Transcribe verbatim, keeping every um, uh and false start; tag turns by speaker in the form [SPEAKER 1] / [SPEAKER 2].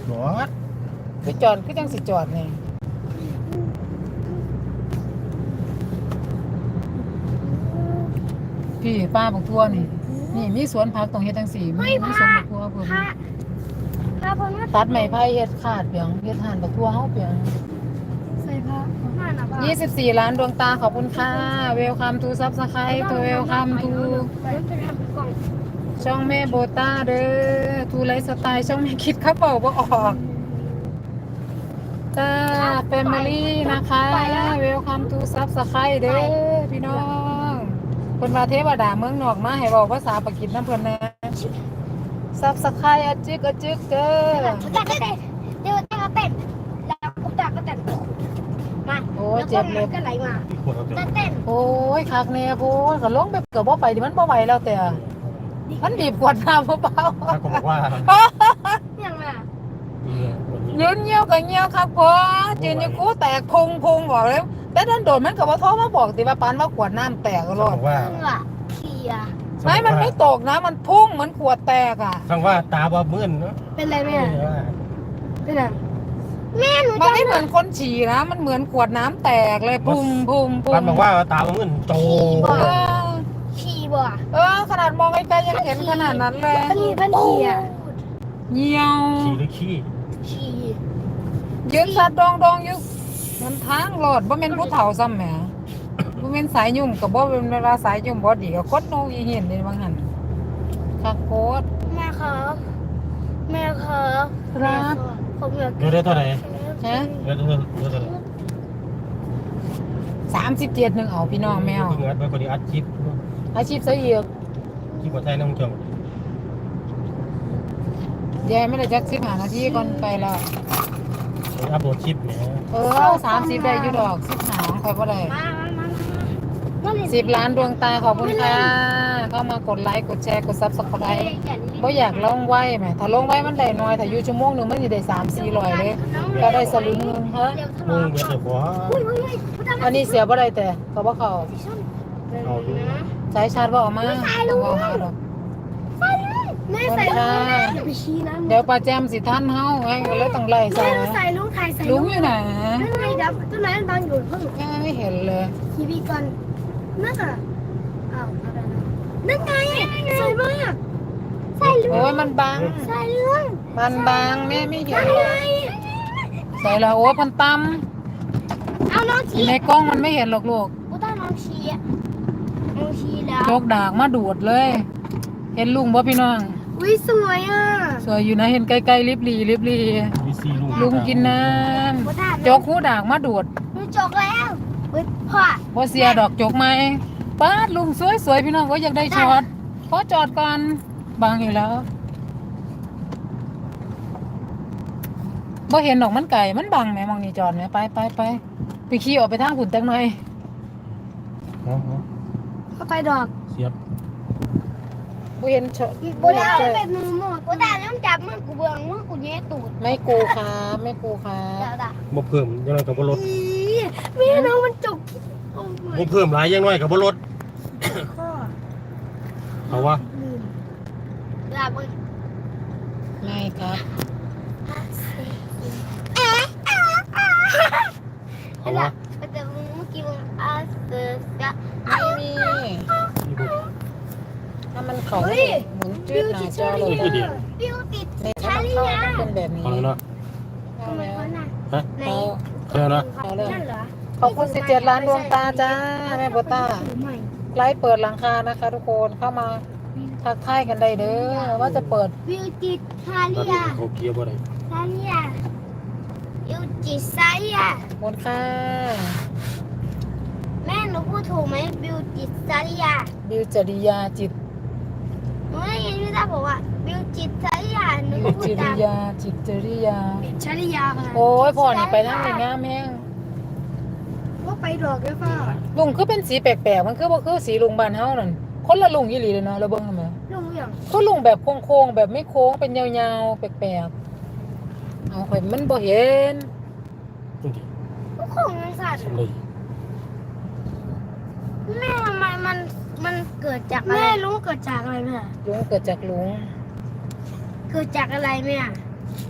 [SPEAKER 1] รถ
[SPEAKER 2] ไปจอดคือจังสิจอดนี่พี่ป้าบักทั่วนี่นี่มีสวนผักตรงเฮ็ดจังสี่มีมีสวนบักทั่วเพิ่น
[SPEAKER 3] พระพระพม่า
[SPEAKER 2] ตัดไม้ไผ่เฮ็ดขาดเปียงเฮ็ดห่านบักทั่วเฮาเปียง
[SPEAKER 3] ใส่พระนั่นน่ะพ่อ
[SPEAKER 2] ยี่สิบสี่ล้านดวงตาขอบคุณค่ะ Welcome to Subscribe to Welcome to
[SPEAKER 3] มันจะทำกล่อง
[SPEAKER 2] ช่องแม่โบต้าเด้อทูไลฟ์สไตล์ช่องแม่คิดข้าวเป่าบ่ออกจ้าแฟมิลี่นะคะ Welcome to Subscribe เด้อพี่น้องเพิ่นว่าเทวดาเมืองนอกมาให้เว้าภาษาปากีสถานเพิ่นนะ Subscribe อะจึกอะจึกเด้อ
[SPEAKER 3] กูตักก็เต้นเดี๋ยวตักก็เต้นแล้วกูตักก็เต้นมา
[SPEAKER 2] โอ้เจ็บเลย
[SPEAKER 3] ก็ไหลมา
[SPEAKER 1] ขวดเอาเต็ม
[SPEAKER 3] เต้น
[SPEAKER 2] โอ้ยคักแน่โพดก็ลงไปเกือบบ่ไปดิมันบ่ไหวแล้วแต่มันบีบกวดน้ำเบา
[SPEAKER 1] ถ้าก็บอกว่า
[SPEAKER 3] ยังไง
[SPEAKER 2] ๆยืนเหี่ยวก็เหี่ยวครับพ่อยืนอยู่กูแตกพุงพุงบอกแล้วแต่ดันโดนมันก็บ่โทรมาบอกติว่าปานว่ากวดน้ำแตกก็รอ
[SPEAKER 1] บ
[SPEAKER 2] ด
[SPEAKER 1] อกว่า
[SPEAKER 3] มึงอ่ะเขีย
[SPEAKER 2] ไม่มันไม่ตกนะมันพุ่งเหมือนขวดแตกอ่ะ
[SPEAKER 1] ฟังว่าตาบ่มื่นเนาะ
[SPEAKER 3] เป็นไรแม่เป็นไรแม่หนู
[SPEAKER 2] มันไม่เหมือนคนฉี่นะมันเหมือนขวดน้ำแตกเลยพุ่งพุ่งพุ่
[SPEAKER 1] ฟั
[SPEAKER 2] ง
[SPEAKER 1] นบอกว่าตาบ่มื่นโต
[SPEAKER 2] เออ
[SPEAKER 3] ขี่บ่
[SPEAKER 2] เออขนาดมองไกลๆยังเห็นขนาดนั้นเลย
[SPEAKER 3] เป็นเป็นเขีย
[SPEAKER 2] เหี่ยว
[SPEAKER 1] ขี้หรือขี้
[SPEAKER 3] ขี่
[SPEAKER 2] ยืนสัดดองดองอยู่มันทางรถบ่แม่นผู้เฒ่าซ้ำแหมบ่แม่นสายยุ่มกับบ่เป็นเวลาสายยุ่มบ่ดีก็คดโนอีเห็นเลยบางหันคักโคตร
[SPEAKER 3] แม่ครับแม่ครับ
[SPEAKER 2] ครับ
[SPEAKER 3] ผมอยาก
[SPEAKER 1] เดี๋ยวได้เท่าไหร่
[SPEAKER 2] ฮะ
[SPEAKER 1] เดี๋ยวเดี๋ยวเดี๋ยวเท่าไหร่
[SPEAKER 2] สามสิบเจ็ดหนึ่งเอาพี่น้องแมว
[SPEAKER 1] เพิ่งอัดไว้คนนี้อัดคลิป
[SPEAKER 2] อาชีพเสียอีก
[SPEAKER 1] คลิปบ่ไทยน้องจง
[SPEAKER 2] ยายไม่ได้จักสิบห้านาทีก่อนไปแล้ว
[SPEAKER 1] อัพโหลดคลิปเนี่ย
[SPEAKER 2] เออสามสิบได้อยู่ดอกสิบหาใครบ่ได้
[SPEAKER 3] มามามามา
[SPEAKER 2] สิบล้านดวงตาขอบคุณค่ะ เข้ามากดไลค์กดแชร์กดซับสไครต์บ่อยากลงไว้ไหมถ้าลงไว้มันได้น้อยถ้าอยู่ชั่วโมงหนึงมันสิได้สามสี่ร้อยเลยก็ได้สลึงหนึงเฮ้ย
[SPEAKER 1] มึงเดี๋ยวจะขอ
[SPEAKER 3] อุ้ยอุ้ยอุ้ย
[SPEAKER 2] อันนี้เสียบ่ได้แต่ก็บ่เข้า
[SPEAKER 1] เอาดู
[SPEAKER 2] สายชาร์จบ่เอามาต้องเอามาดอก
[SPEAKER 3] แม่ใส่ลูกอย่าไปชี้นะ
[SPEAKER 2] เดี๋ยวป้าแจมสิท่านเฮาไงก็เลยต้องไล่ใส่
[SPEAKER 3] แม่ใส่ลูกไทยใส่
[SPEAKER 2] ลุงอยู่ไหน
[SPEAKER 3] นั่นไงดับต้นไม้มันบางอยู่เพิ่ง
[SPEAKER 2] ยังไม่เห็นเลย
[SPEAKER 3] ทีวีกันนั่นอ่ะอ้าวอะไรนะนั่นไงใส่มากใส่ลู
[SPEAKER 2] โอ้
[SPEAKER 3] ก
[SPEAKER 2] ยมันบัง
[SPEAKER 3] ใส่ลูก
[SPEAKER 2] มันบางแม่ไม่เห็
[SPEAKER 3] นั่
[SPEAKER 2] น
[SPEAKER 3] นไง
[SPEAKER 2] ใส่แล้วโอ้ยพันต
[SPEAKER 3] เอาน้อง
[SPEAKER 2] ำอ
[SPEAKER 3] ชี้
[SPEAKER 2] ยู่ในกล้องมันไม่เห็นหรอกลูก
[SPEAKER 3] กูต้องน้องชี้อ่ะน้องชี้แล้ว
[SPEAKER 2] โจกดากมาดูดเลย เห็นลุงบ่พี่น้อง
[SPEAKER 3] อุ้ยสวยอ่ะ
[SPEAKER 2] สวยอยู่นะเห็นไกลๆริบหลีริบหลี
[SPEAKER 1] มีซีลุง
[SPEAKER 2] ลุงกินน้
[SPEAKER 3] กูได้
[SPEAKER 2] ำโจกหูดากมาดูด
[SPEAKER 3] กูจกแล้วอุ้ยพ่อ
[SPEAKER 2] บ่เสียดอกโจกไหมป้าดลุงสวยๆพี่น้องก็อยากได้ช็อตขอจอดก่อนบางอยู่แล้วบ่เห็นดอกมันไก่มันบังแหมมองนี่จอดแหมไปไปไปไปขี่ออกไปทางหุ่นจังหน่อย
[SPEAKER 1] อ๋อ
[SPEAKER 3] เข้าไปดอก
[SPEAKER 1] เสียบ
[SPEAKER 2] บ่เห็นช็อต
[SPEAKER 3] กูได้เอาแบบมือหมดกูได้น้ำจับมือกูเบืองมือกูแย่ตูด
[SPEAKER 2] ไม่กูครับไม่กูครั
[SPEAKER 3] เดี๋ย
[SPEAKER 2] บ
[SPEAKER 3] วด่า
[SPEAKER 1] บ่เพิ่มยังไงกับบ่ลด
[SPEAKER 3] อีแม่น้องมันจกโอ้ย
[SPEAKER 1] บ่เพิ่มหลายยังน้อยกับบ่ลด
[SPEAKER 3] ข้อ
[SPEAKER 1] เอาวะ
[SPEAKER 3] ลืมด่ามึง
[SPEAKER 2] ไม่ครับ
[SPEAKER 1] เอาวะ
[SPEAKER 3] แต่มึงเมื่อกี้มึงอาเซกะ
[SPEAKER 2] ไม่มีถ้ามันเขาหมุนจืดหน้าจอเลย
[SPEAKER 3] บิวติด
[SPEAKER 2] ในถ้ามันเข้าต้องเป็นแบบนี้
[SPEAKER 1] เอาแล้วเนาะ
[SPEAKER 2] เอา
[SPEAKER 3] ทำไม
[SPEAKER 2] แล้ว
[SPEAKER 3] วะน่ะ
[SPEAKER 1] ฮะ
[SPEAKER 3] ไหน
[SPEAKER 2] เอา
[SPEAKER 1] เอาแล้วเนาะ
[SPEAKER 3] นั่นเหรอ
[SPEAKER 2] ขอบคุณสิบเจ็ดล้านดวงตาจ้าแม่โบต้า
[SPEAKER 3] หรือไม่
[SPEAKER 2] ไลฟ์เปิดหลังคานะคะทุกคนเข้ามาทักทายกันได้เด้อว่าจะเปิด
[SPEAKER 3] บิวติดซา
[SPEAKER 1] ตอน
[SPEAKER 3] เลี
[SPEAKER 1] นี้
[SPEAKER 3] ย
[SPEAKER 1] เขาเกียร์บ่ได้
[SPEAKER 3] ซาเลียบิวติดซาเลีย
[SPEAKER 2] หมดค่ะ
[SPEAKER 3] แม่หนูพูดถูกไหมบิวจิตซาริยา
[SPEAKER 2] บิวจริยาจิต
[SPEAKER 3] หนูได้ยินพี่ตาบอกว่าบิวจิตซาริยาหนู
[SPEAKER 2] บิว
[SPEAKER 3] พู
[SPEAKER 2] จ
[SPEAKER 3] ด
[SPEAKER 2] ริ
[SPEAKER 3] ตาม
[SPEAKER 2] ยาจิตจริยา
[SPEAKER 3] ชาริยาค่ะ
[SPEAKER 2] โอ้ยพ่อนี่ไปนั่งในงามแห้ง
[SPEAKER 3] ว่าไปดอกด้วยป่ะ
[SPEAKER 2] ลุงคือเป็นสีแปลกๆมันคือบ่คือสีลุงบ้านเฮานั่นคนละลุงอีหลีเลยเนาะเราเบิ่งกันไหม
[SPEAKER 3] ลุงอย่าง
[SPEAKER 2] คือลุงแบบโค้งๆแบบไม่โค้งเป็นยาวๆแปลกๆเอาข่อยมันบ่เห็น
[SPEAKER 1] จริงดิ
[SPEAKER 3] ก็คงมันสัตว์
[SPEAKER 1] ทำเลย
[SPEAKER 3] แม่ทำไมมันมันเกิดจากอะไรแม่รู้เกิดจากอะไรแม่
[SPEAKER 2] ลุงเกิดจากลุง
[SPEAKER 3] เกิดจากอะไรแม่